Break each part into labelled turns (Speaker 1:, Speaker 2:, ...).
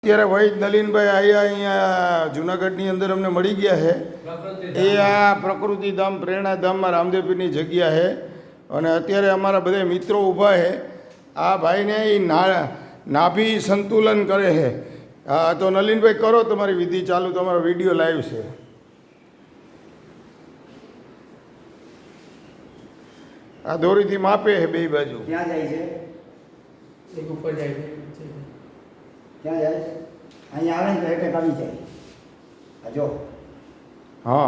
Speaker 1: અત્યારે વૈદ નલિનભાઈ અહીંયા જુનાગઢની અંદર અમને મળી ગયા છે. એ આ પ્રકૃતિધામ પ્રેરણાધામમાં રામદેવપીરની જગ્યા છે અને અત્યારે અમારા બધા મિત્રો ઊભા છે. આ ભાઈને એ નાભી સંતુલન કરે છે. હા, તો નલિનભાઈ કરો તમારી વિધિ ચાલુ, તમારો વિડીયો લાઈવ છે. આ દોરીથી માપે છે બે બાજુ.
Speaker 2: ક્યાં જાય છે?
Speaker 3: એક ઉપર જાય છે.
Speaker 2: ક્યાં જાય? અહીંયા આવે ને તો એટેક આવી જાય. આ જો.
Speaker 1: હા,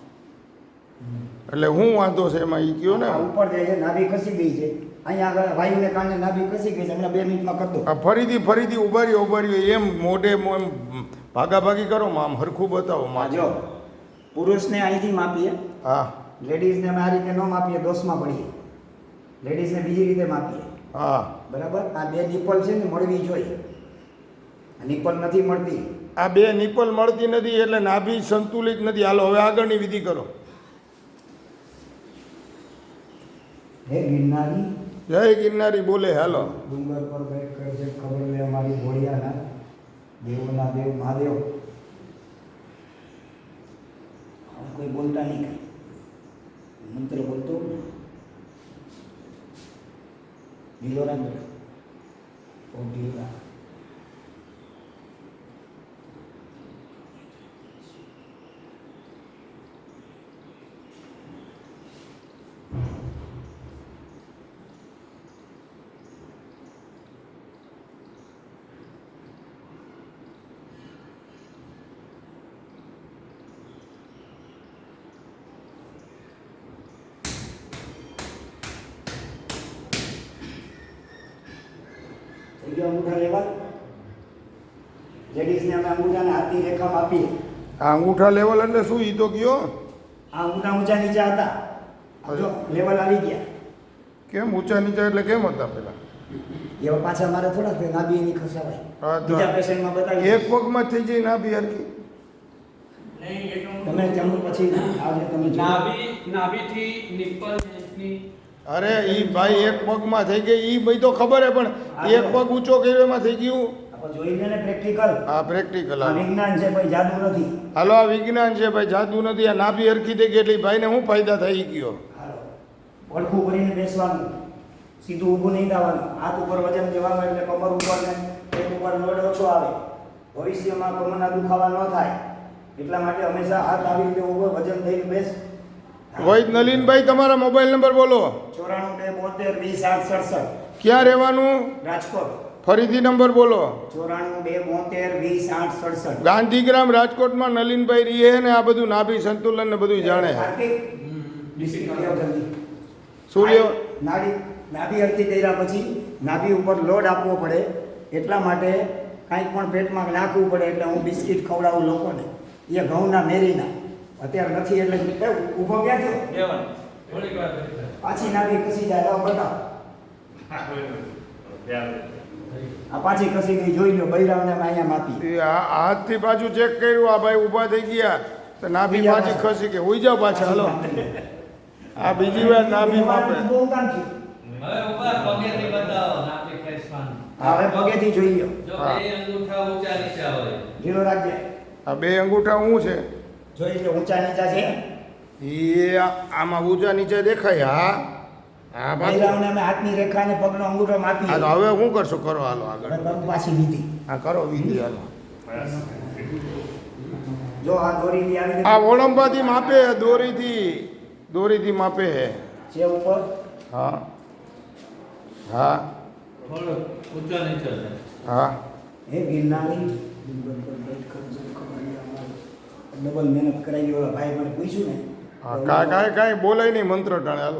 Speaker 1: એટલે હું વાંધો છે એમાં એ કયો ને.
Speaker 2: ઉપર જાય છે, નાભી ખસી ગઈ છે. અહીંયા આગળ વાયુને કારણે નાભી ખસી ગઈ છે. હમણાં 2 મિનિટમાં કરી દો.
Speaker 1: આ ફરીથી ઉભાર્યો એમ મોઢે એમ ભાગાભાગી કરો આમ હરખું બતાવો માં.
Speaker 2: જો પુરુષને અહીંથી માપીએ,
Speaker 1: હા,
Speaker 2: લેડીઝને અમે આ રીતે ન માપીએ, દોષમાં પડીએ. લેડીઝને બીજી રીતે માપીએ.
Speaker 1: હા,
Speaker 2: બરાબર. આ 2 નિપલ છે ને મળવી જોઈએ. નિપલ નથી મળતી.
Speaker 1: આ 2 નિપલ મળતી નથી એટલે નાભી સંતુલિત નથી. હાલો હવે આગળની વિધિ કરો.
Speaker 2: હે ગિરનારી,
Speaker 1: જય ગિરનારી બોલે. હાલો.
Speaker 2: ડુંગર પર બેઠ કરજે ખબર લે અમારી ઘોડિયાના, દેવોના દેવ મહાદેવ. કોઈ બોલતા નહીં, કાંઈ મંત્ર બોલતો ઢીલોરા ઓ ઢીલોરા. અંગૂઠા લેવા, લેડીઝને અમે અંગૂઠાને હાથની રેખામાં આપીએ.
Speaker 1: આ અંગૂઠા લેવલ એટલે શું ઈ તો કયો?
Speaker 2: આ અંગૂઠા ઊંચા નીચા હતા, જો લેવલ આવી ગયા.
Speaker 1: કેમ ઊંચા નીચા એટલે કેમ હતા પેલા?
Speaker 2: એવા પાછા મારે થોડા નાભી એની ખસાવાય.
Speaker 1: હા, તો
Speaker 2: બીજા પેશન્ટમાં બતાવી
Speaker 1: એક પગમાં થઈ જાય નાભી હરકી.
Speaker 2: તમે જમો પછી આજે તમે
Speaker 3: નાભીથી નિપલ ની.
Speaker 1: અરે ઈ ભાઈ એક પગમાં થઈ ગઈ ઈ ભાઈ તો ખબર હે, પણ એક પગ ઊંચો કર્યો એમાં થઈ ગયું.
Speaker 2: આપણે જોઈ લે ને પ્રેક્ટિકલ.
Speaker 1: હા, પ્રેક્ટિકલ.
Speaker 2: આ વિજ્ઞાન છે ભાઈ, જાદુ નથી.
Speaker 1: હાલો, આ વિજ્ઞાન છે ભાઈ, જાદુ નથી. આ નાભી હરખી થઈ ગઈ એટલે ભાઈને શું ફાયદા થઈ ગયો?
Speaker 2: હાલો, પડખું ભરીને બેસવાનું, સીધું ઊભું નહીં થવાનું. હાથ ઉપર વજન દેવાનું એટલે કમર ઉપર ને પેટ ઉપર લોડ ઓછો આવે. ભવિષ્યમાં કમરના દુખાવા ન થાય એટલા માટે હંમેશા હાથ આવી રીતે ઉપર વજન દઈને બેસ.
Speaker 1: વૈદ નલિનભાઈ તમારા મોબાઈલ નંબર બોલો.
Speaker 2: 94 2 72 20 8 67.
Speaker 1: ક્યાં રહેવાનું?
Speaker 2: રાજકોટ.
Speaker 1: ફરીથી નંબર બોલો.
Speaker 2: 94 2 72 20 8 67.
Speaker 1: ગાંધીગ્રામ રાજકોટમાં નલિનભાઈ રહીએ ને આ બધું નાભી સંતુલન ને બધું જાણે છે.
Speaker 2: કાર્તિક ડિસ્ટ્રિક્ટ લ્યો જલ્દી.
Speaker 1: સૂર્ય
Speaker 2: નાભી હરતી કર્યા પછી નાભી ઉપર લોડ આપવો પડે, એટલા માટે કાંઈક પણ પેટમાં નાખવું પડે. એટલે હું બિસ્કિટ ખવડાવું લોકોને, એ ઘઉંના મેરીના. અત્યારે નથી એટલે ઊભો ક્યાં થયો? પાછી નાભી ખસી જાય. બતાવો. આ પાછી ખસી ગઈ, જોઈ લો. બૈરાવને અહીંયા માપી.
Speaker 1: આ હાથથી પાછું ચેક કર્યું. આ ભાઈ ઊભા થઈ ગયા તો નાભી પાછી ખસી ગઈ. હોઈ જાઓ પાછા. હાલો, આ બીજી વાર નાભી માપે.
Speaker 2: બહુ કામ થયું.
Speaker 3: હવે ઉપર પગેથી બતાવો નાભી ખેંચવાનું.
Speaker 2: હવે પગેથી જોઈ લો.
Speaker 3: જો બે અંગૂઠા ઊંચા નીચા હોય.
Speaker 2: ઢીલો રાખજે.
Speaker 1: આ 2 અંગૂઠા શું છે?
Speaker 2: જોઈ લો, ઊંચા નીચા છે.
Speaker 1: એ આમાં ઊંચા નીચે દેખાય. હા, હા પાછું.
Speaker 2: બૈરાવને અમે હાથની રેખા અને પગનો અંગૂઠો માપી.
Speaker 1: હા, તો હવે શું કરશો? કરો. હાલો આગળ.
Speaker 2: પાછી વિધિ.
Speaker 1: હા, કરો વિધિ. હાલો.
Speaker 2: જો આ દોરીથી આવી
Speaker 1: આ ઓળંબાથી માપે, દોરીથી માપે
Speaker 2: છે ઉપર.
Speaker 1: હા, હા,
Speaker 3: થોડો ઊંચા નીચા થાય.
Speaker 1: હા.
Speaker 2: હે ગિરનારી, ડબલ મહેનત કરાવી. ઓલા ભાઈ મને પૂછ્યું ને.
Speaker 1: હા, કાંઈ બોલાય નહીં મંત્ર ટાણે. હાલો.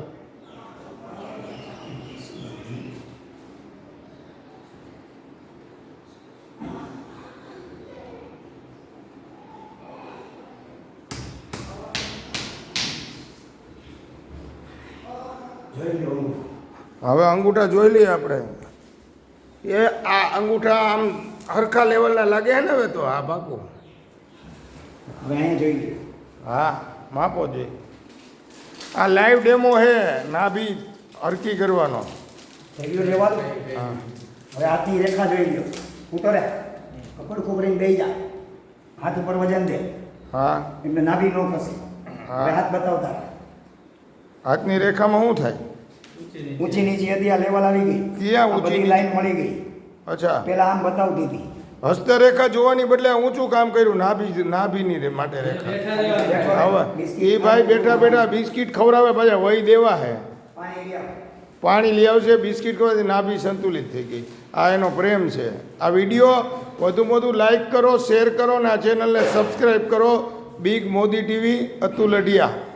Speaker 2: જોઈ લો.
Speaker 1: હવે અંગૂઠા જોઈ લઈએ આપણે. એ આ અંગૂઠા આમ હરખા લેવલના લાગે છે ને હવે તો? હા, પાકું.
Speaker 2: હવે અહીંયા જોઈ લો.
Speaker 1: હા, માપો જોઈએ. આ લાઈવ ડેમો છે નાભી હરકી કરવાનો.
Speaker 2: થઈ ગયો લેવાનું.
Speaker 1: હા,
Speaker 2: હવે હાથની રેખા જોઈ લો. ઉતરે કપડ ખોબરીને બેહી જા, હાથ ઉપર વજન દે
Speaker 1: હા
Speaker 2: એટલે નાભી ન ખસે.
Speaker 1: હા.
Speaker 2: હવે હાથ બતાવતા રહે.
Speaker 1: હાથની રેખામાં શું થાય?
Speaker 2: ઊંચી નીચી હતી, આ લેવલ આવી ગઈ.
Speaker 1: ક્યાં
Speaker 2: આ
Speaker 1: ઊંચી
Speaker 2: બધી
Speaker 1: નીચી?
Speaker 2: લાઈન મળી ગઈ.
Speaker 1: અચ્છા,
Speaker 2: પેલા આમ બતાવતી હતી.
Speaker 1: હસ્તરેખા જોવાની બદલે ઊંચું કામ કર્યું નાભીની માટે રેખા. હવે એ ભાઈ બેઠા બેઠા બિસ્કિટ ખવડાવે, પાછા વહી દેવા હે,
Speaker 2: પાણી લઈ આવો.
Speaker 1: પાણી લઈ આવશે, બિસ્કિટ ખવડાવથી નાભી સંતુલિત થઈ ગઈ. આ એનો પ્રેમ છે. આ વિડીયો વધુમાં વધુ લાઈક કરો, શેર કરો, અને આ ચેનલને સબસ્ક્રાઈબ કરો. Big Modi TV, Atul Adhia.